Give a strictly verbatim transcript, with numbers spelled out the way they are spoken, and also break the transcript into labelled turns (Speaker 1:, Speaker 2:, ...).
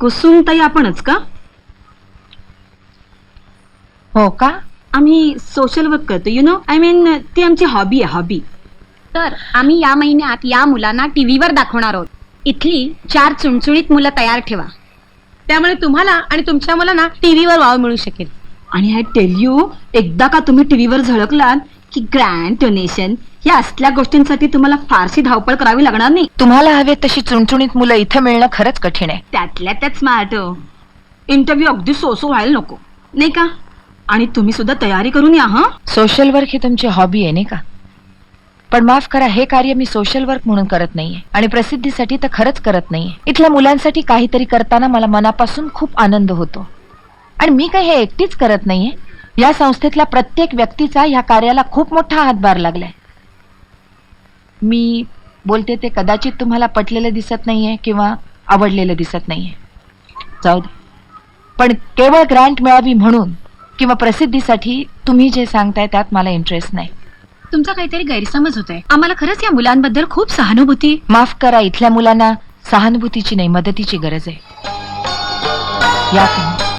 Speaker 1: कुसुमताई आपणच का?
Speaker 2: हो का?
Speaker 1: आम्ही सोशल वर्क करतो, यु नो, आय मीन ती आमची हॉबी आहे, हॉबी.
Speaker 3: तर आम्ही या महिन्यात या मुलांना टीव्हीवर दाखवणार आहोत. इथली चार चुणचुणीत मुलं तयार ठेवा.
Speaker 2: त्यामुळे तुम्हाला आणि तुमच्या मुलांना टीव्हीवर वाव मिळू शकेल.
Speaker 1: आणि आय टेल यू, एकदा का तुम्ही टीव्हीवर झळकलात की ग्रँड डोनेशन या असल्या गोष्टींसाठी तुम्हाला फारशी धावपळ करावी लागणार नाही.
Speaker 2: तुम्हाला हवे तशी चुणचुणीत मुलं इथं मिळणं खरंच कठीण आहे.
Speaker 1: त्यातल्या त्यात स्मार्ट. इंटरव्ह्यू अगदी सोसो व्हायला नको, नाही का? आणि तुम्ही सुद्धा तयारी करून या. हा,
Speaker 2: सोशल वर्क ही तुमची हॉबी आहे नाही का? पण माफ करा, हे कार्य मी सोशल वर्क म्हणून करत नाहीये आणि प्रसिद्धीसाठी तर खरंच करत नाहीये. इथल्या मुलांसाठी काहीतरी करताना मला मनापासून खूप आनंद होतो. आणि मी काही हे एकटीच करत नाहीये, या संस्थेतल्या प्रत्येक व्यक्तीचा ह्या कार्याला खूप मोठा हातभार लागलाय. मी बोलते ते कदाचित तुम्हाला पटलेलं दिसत नाहीये किंवा आवडलेलं दिसत नाहीये, जाऊ दे. पण केवळ ग्रँट मिळावी म्हणून किंवा प्रसिद्धीसाठी तुम्ही जे सांगताय त्यात मला इंटरेस्ट नाही.
Speaker 3: तुमचा काहीतरी गैरसमज होतोय. आम्हाला खरंच या मुलांबद्दल खूप सहानुभूती.
Speaker 2: माफ करा, इथल्या मुलांना सहानुभूतीची नाही, मदतीची गरज आहे. या तुम्ही.